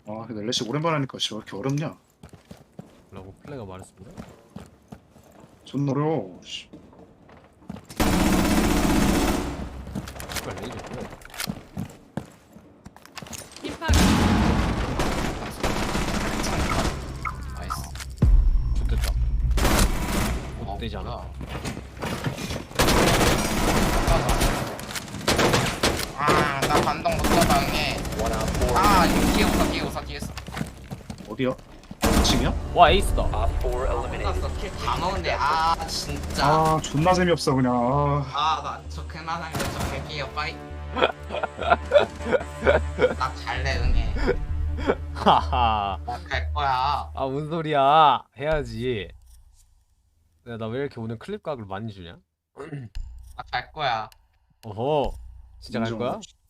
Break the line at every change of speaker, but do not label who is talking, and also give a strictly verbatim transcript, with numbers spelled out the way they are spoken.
아 근데 렐레시 오랜만에 하니까 씨, 왜 이렇게 어렵냐?
라고 플레이가 말했습니다.
존나 어려워. 씨.
씨발 레이저 뭐야?
힙하게.
나이스.
좋됐다.
어,
못 되지 않아?
아, 나 반동 못 잡아해. 아, 이거 뒤에 오사, 뒤에 오사, 뒤에 오사.
어디야? 층이야?
와 에이스다.
끝났어. 킬다 먹은데, 아, 진짜.
아 존나 재미없어 그냥. 아,
아, 나 저 그만하면 저 백이에요, 빠이. 나 갈래, 응해.
하하.
나 갈 거야.
아 뭔 소리야? 해야지. 야 나 왜 이렇게 오늘 클립 각을 많이 주냐?
나 갈 거야.
어허. 진짜 갈
인정.
거야?